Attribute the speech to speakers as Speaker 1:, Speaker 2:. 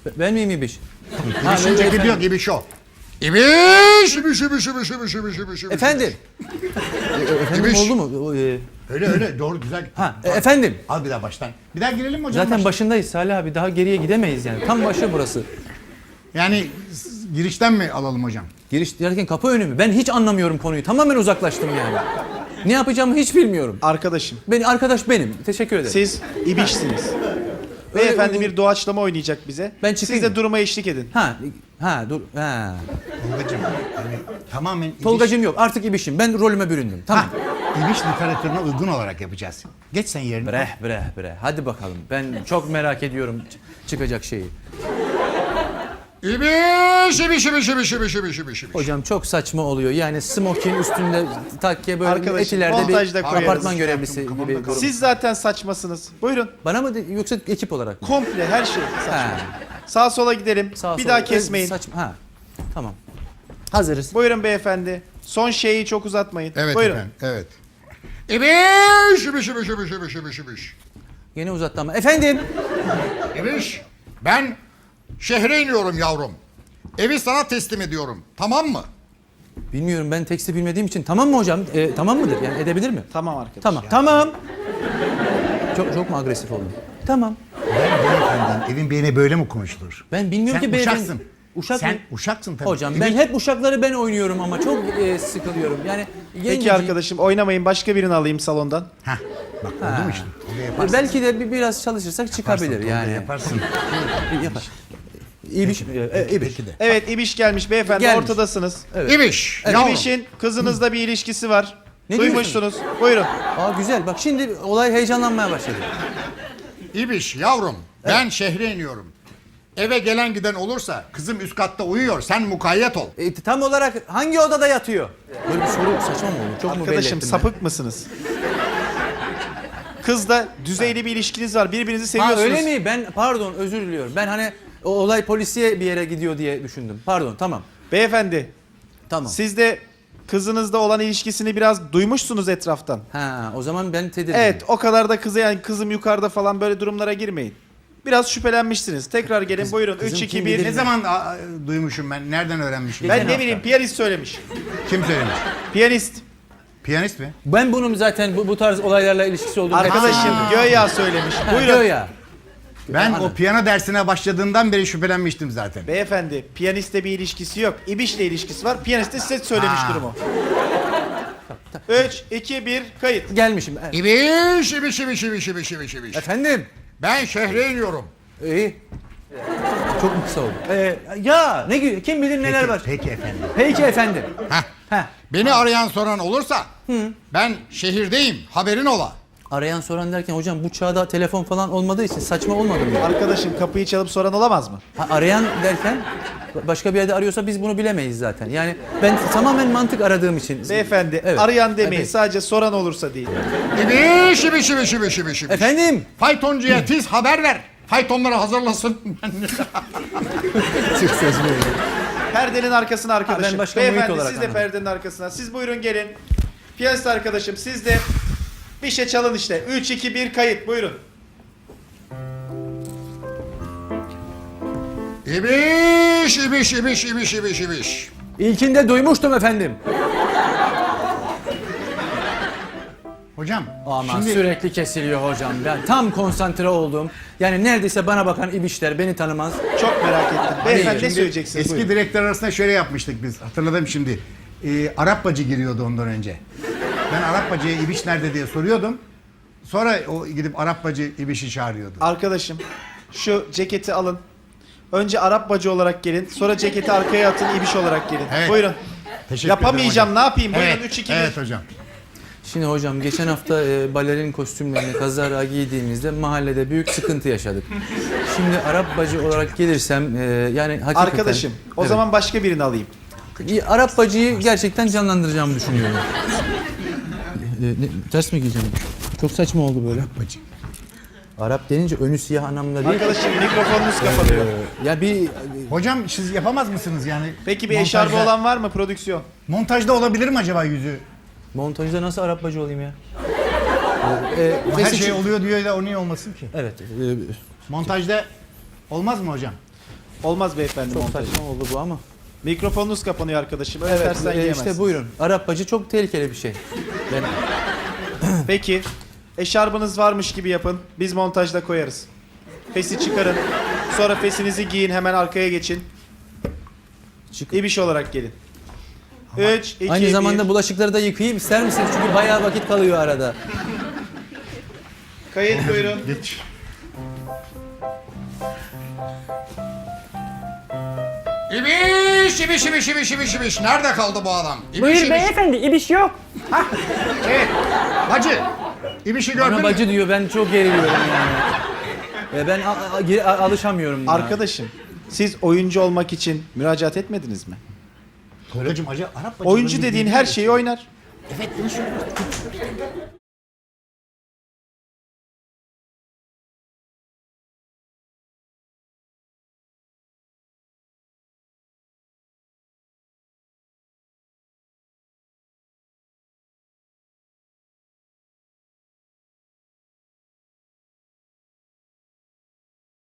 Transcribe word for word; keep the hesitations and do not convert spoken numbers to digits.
Speaker 1: Ben miyim İbiş?
Speaker 2: İbiş'in ceketi yok, İbiş o. İbiş, İbiş, İbiş, İbiş, İbiş, İbiş, İbiş.
Speaker 1: Efendim. Efendim
Speaker 2: İbiş.
Speaker 1: oldu mu? O, e,
Speaker 2: Öyle öyle, doğru, güzel.
Speaker 1: Ha, e, efendim.
Speaker 2: Al bir daha baştan. Bir daha girelim mi hocam?
Speaker 1: Zaten
Speaker 2: baştan?
Speaker 1: başındayız Salih abi. Daha geriye gidemeyiz yani. Tam başı burası.
Speaker 2: Yani s- girişten mi alalım hocam?
Speaker 1: Giriş derken kapı önü mü? Ben hiç anlamıyorum konuyu. Tamamen uzaklaştım yani. Ne yapacağımı hiç bilmiyorum.
Speaker 3: Arkadaşım,
Speaker 1: Beni arkadaş benim. Teşekkür ederim.
Speaker 3: siz İbiş'siniz. Beyefendi
Speaker 1: uygun-
Speaker 3: bir doğaçlama oynayacak bize.
Speaker 1: Ben
Speaker 3: Siz
Speaker 1: çıkayım
Speaker 3: de
Speaker 1: mı?
Speaker 3: duruma eşlik edin.
Speaker 1: Ha, ha dur. Ha.
Speaker 2: Tolgacığım, yani tamamen İbiş,
Speaker 1: Tolgacığım yok. Artık İbiş'im. Ben rolüme büründüm. Tamam.
Speaker 2: İbiş literatürüne uygun olarak yapacağız. Geç sen yerine.
Speaker 1: Bre bre bre. Hadi bakalım. Ben çok merak ediyorum ç- çıkacak şeyi.
Speaker 2: İbiş, İbiş, İbiş, İbiş, İbiş, İbiş, İbiş, İbiş.
Speaker 1: Hocam çok saçma oluyor. Yani smokin üstünde takke böyle
Speaker 3: Arkadaşım,
Speaker 1: etilerde
Speaker 3: montajda
Speaker 1: bir
Speaker 3: koyarız.
Speaker 1: apartman görevlisi
Speaker 2: Kafamda
Speaker 1: gibi.
Speaker 2: kaldı.
Speaker 3: Siz zaten saçmasınız. Buyurun.
Speaker 1: Bana mı de- yoksa ekip olarak mı?
Speaker 3: Komple her şey saçma.
Speaker 1: Ha.
Speaker 3: Sağa sola gidelim.
Speaker 1: Sağa
Speaker 3: bir
Speaker 1: sola.
Speaker 3: daha kesmeyin.
Speaker 1: Saçma. Ha. Tamam. Hazırız.
Speaker 3: Buyurun beyefendi. Son şeyi çok uzatmayın.
Speaker 2: Evet
Speaker 3: Buyurun.
Speaker 2: efendim, evet. İbiş, İbiş, İbiş, İbiş, İbiş, İbiş, İbiş.
Speaker 1: Yine uzattı ama. Efendim.
Speaker 2: İbiş, ben şehre iniyorum yavrum. Evi sana teslim ediyorum, tamam mı?
Speaker 1: Bilmiyorum, ben teksti bilmediğim için. Tamam mı hocam? Ee, tamam mıdır? Yani edebilir mi?
Speaker 3: Tamam arkadaş.
Speaker 1: Tamam. Tamam. Çok çok mu agresif oldum? Tamam.
Speaker 2: Ben beyefendiyim, evin beyine böyle mi konuşulur?
Speaker 1: Ben bilmiyorum
Speaker 2: Sen
Speaker 1: ki beyefendi.
Speaker 2: uşaksın.
Speaker 1: Uşak
Speaker 2: Sen
Speaker 1: mı?
Speaker 2: uşaksın tabii.
Speaker 1: Hocam
Speaker 2: İbiş-
Speaker 1: ben hep uşakları ben oynuyorum ama çok e, sıkılıyorum. Yani
Speaker 3: Peki
Speaker 1: gencecik-
Speaker 3: arkadaşım oynamayın, başka birini alayım salondan.
Speaker 2: Heh, bak oldu mu işte? Öyle yaparsın.
Speaker 1: Belki de bir, biraz çalışırsak çıkabilir
Speaker 2: Yaparsın,
Speaker 1: yani.
Speaker 2: Yaparsın.
Speaker 1: Yapar. İyi bir şey. E, iyi bir şey.
Speaker 2: Peki de.
Speaker 3: Evet İbiş gelmiş beyefendi,
Speaker 1: Gelmiş.
Speaker 3: ortadasınız.
Speaker 2: İbiş, yavrum.
Speaker 3: İbiş'in kızınızla bir ilişkisi var.
Speaker 1: Ne
Speaker 3: Duymuşsunuz. Buyurun.
Speaker 1: Aa güzel. Bak şimdi olay heyecanlanmaya başladı.
Speaker 2: İbiş, yavrum. Ben şehre iniyorum. Eve gelen giden olursa kızım üst katta uyuyor. Sen mukayyet ol.
Speaker 1: E, tam olarak hangi odada yatıyor? Böyle bir soru saçma mı olur? Çok mu belli
Speaker 3: Arkadaşım
Speaker 1: ettim
Speaker 3: sapık mısınız? Kızla düzeyli bir ilişkiniz var. Birbirinizi
Speaker 1: ben? Ha
Speaker 3: seviyorsunuz.
Speaker 1: öyle mi? Ben pardon özür diliyorum. Ben hani o olay polisiye bir yere gidiyor diye düşündüm. Pardon tamam.
Speaker 3: Beyefendi,
Speaker 1: Tamam.
Speaker 3: siz de kızınızla olan ilişkisini biraz duymuşsunuz etraftan.
Speaker 1: Ha o zaman ben tedirginim.
Speaker 3: Evet, o kadar da kıza yani kızım yukarıda falan böyle durumlara girmeyin. Biraz şüphelenmişsiniz. Tekrar gelin buyurun.
Speaker 1: kızım
Speaker 3: üç
Speaker 1: kim
Speaker 3: iki
Speaker 1: bilir
Speaker 3: bir.
Speaker 2: Ne zaman a, duymuşum ben? Nereden öğrenmişim?
Speaker 3: Ben
Speaker 1: Geçen
Speaker 3: ne
Speaker 1: hafta.
Speaker 3: bileyim, piyanist söylemiş.
Speaker 2: Kim söylemiş?
Speaker 3: Piyanist.
Speaker 2: Piyanist mi?
Speaker 1: Ben bunun zaten bu, bu tarz olaylarla ilişkisi olduğunu hep
Speaker 3: Arkadaşım
Speaker 1: söylüyorum.
Speaker 3: göya söylemiş.
Speaker 1: Ha,
Speaker 3: Buyurun.
Speaker 1: göya.
Speaker 2: Ben
Speaker 1: Anladım.
Speaker 2: o piyano dersine başladığımdan beri şüphelenmiştim zaten.
Speaker 3: Beyefendi, piyanistle bir ilişkisi yok. İbiş'le ilişkisi var. Piyanist de size söylemiş
Speaker 2: Ha.
Speaker 3: durumu. üç iki bir kayıt.
Speaker 1: Gelmişim. E,
Speaker 2: İbiş, ibiş, ibiş, ibiş, ibiş, ibiş, ibiş.
Speaker 1: Efendim.
Speaker 2: Ben şehre iniyorum.
Speaker 1: İyi. Çok mu kısa oldu? Ee, ya ne gü- kim bilir neler
Speaker 2: Peki,
Speaker 1: var.
Speaker 2: Peki efendim.
Speaker 1: Peki efendim.
Speaker 2: Heh.
Speaker 1: Heh.
Speaker 2: Beni arayan soran olursa ben şehirdeyim, haberin ola.
Speaker 1: Arayan soran derken hocam bu çağda telefon falan olmadığı için saçma olmadı mı?
Speaker 3: Arkadaşım kapıyı çalıp soran olamaz mı?
Speaker 1: Ha, arayan derken başka bir yerde arıyorsa biz bunu bilemeyiz zaten. Yani ben tamamen mantık aradığım için.
Speaker 3: Beyefendi,
Speaker 1: Evet.
Speaker 3: arayan demeyin.
Speaker 1: Evet.
Speaker 3: Sadece soran olursa değil.
Speaker 2: İbiş, ibiş, ibiş, ibiş, ibiş, ibiş.
Speaker 1: Efendim?
Speaker 2: Faytoncuya tiz haber ver. Faytonları hazırlasın.
Speaker 1: Çok saçma.
Speaker 3: Perdenin arkasına arkadaşım.
Speaker 1: Ha, ben başka muhit
Speaker 3: Beyefendi
Speaker 1: olarak
Speaker 3: siz de
Speaker 1: anladım.
Speaker 3: perdenin arkasına. Siz buyurun gelin. Piyanist arkadaşım siz de bir şey çalın işte. üç iki bir kayıt buyurun.
Speaker 2: İbiş, ibiş, ibiş, ibiş, ibiş, ibiş.
Speaker 1: İlkinde duymuştum efendim.
Speaker 2: Hocam,
Speaker 1: Ama
Speaker 2: şimdi
Speaker 1: sürekli kesiliyor hocam. Ben tam konsantre oldum. Yani neredeyse bana bakan ibişler beni tanımaz.
Speaker 3: Çok merak ettim. Beyefendi ne
Speaker 1: Şimdi
Speaker 3: söyleyeceksiniz?
Speaker 2: eski
Speaker 3: Buyurun.
Speaker 2: direktör arasında şöyle yapmıştık biz. Hatırladım şimdi. Ee, Arap bacı giriyordu ondan önce. Ben Arap bacıya İbiş nerede diye soruyordum. Sonra o gidip Arap bacı İbiş'i çağırıyordu.
Speaker 3: Arkadaşım şu ceketi alın. Önce Arap bacı olarak gelin. Sonra ceketi arkaya atın İbiş olarak gelin.
Speaker 2: Evet.
Speaker 3: Buyurun.
Speaker 2: Teşekkür
Speaker 3: Yapamayacağım
Speaker 2: ederim
Speaker 3: ne
Speaker 2: hocam.
Speaker 3: yapayım? Buyurun
Speaker 2: Evet,
Speaker 3: üç iki bir.
Speaker 2: evet hocam.
Speaker 1: Şimdi hocam geçen hafta e, balerin kostümlerini kazara giydiğimizde mahallede büyük sıkıntı yaşadık. Şimdi Arap bacı olarak gelirsem e, yani hakikaten...
Speaker 3: Arkadaşım o
Speaker 1: Evet.
Speaker 3: zaman başka birini alayım.
Speaker 1: Bir Arap bacıyı gerçekten canlandıracağımı düşünüyorum. E, ne, ters mi giyeceğim? Çok saçma oldu böyle.
Speaker 2: Arap bacı.
Speaker 1: Arap denince önü siyah anlamında değil.
Speaker 3: Arkadaşım mikrofonunuz kapanıyor.
Speaker 1: E, ya bir
Speaker 2: Hocam siz yapamaz mısınız yani?
Speaker 3: Peki bir
Speaker 2: Montajda-
Speaker 3: eşarbı olan var mı prodüksiyon?
Speaker 2: Montajda olabilir mi acaba yüzü?
Speaker 1: montajda nasıl Arap bacı olayım ya? E, e,
Speaker 2: Her
Speaker 1: neyse
Speaker 2: şey
Speaker 1: ki-
Speaker 2: oluyor diyor da o niye olmasın ki?
Speaker 1: Evet. e,
Speaker 2: Montajda olmaz mı hocam?
Speaker 3: Olmaz beyefendi
Speaker 1: Çok
Speaker 3: montaj.
Speaker 1: saçma oldu bu ama.
Speaker 3: Mikrofonunuz kapanıyor arkadaşım. Öyle
Speaker 1: Evet,
Speaker 3: tersten
Speaker 1: e,
Speaker 3: yiyemezsiniz.
Speaker 1: işte buyurun. Arap bacı çok tehlikeli bir şey. Ben
Speaker 3: Peki. Eşarbınız varmış gibi yapın. Biz montajda koyarız. Fesi çıkarın. Sonra fesinizi giyin. Hemen arkaya geçin.
Speaker 1: Çık-
Speaker 3: İbiş olarak gelin. üç, iki,
Speaker 1: Aynı zamanda
Speaker 3: bir.
Speaker 1: bulaşıkları da yıkayayım ister misiniz? Çünkü bayağı vakit kalıyor arada.
Speaker 3: Kayıt buyurun.
Speaker 2: Geç. İbiş, ibiş, ibiş, ibiş, ibiş, ibiş. Nerede kaldı bu adam? İbiş,
Speaker 4: Buyur
Speaker 2: ibiş.
Speaker 4: beyefendi, ibiş yok.
Speaker 2: Evet. Bacı. İbiş'i gördün
Speaker 1: Bana
Speaker 2: mü?
Speaker 1: bacı diyor ben çok geriliyorum yani. E, ben a- a- geri- a- alışamıyorum buna.
Speaker 3: Arkadaşım, siz oyuncu olmak için müracaat etmediniz mi?
Speaker 2: Tolgacığım acı Arap bacı.
Speaker 3: Oyuncu dediğin her şeyi oynar.
Speaker 2: Evet bunu söylüyorum.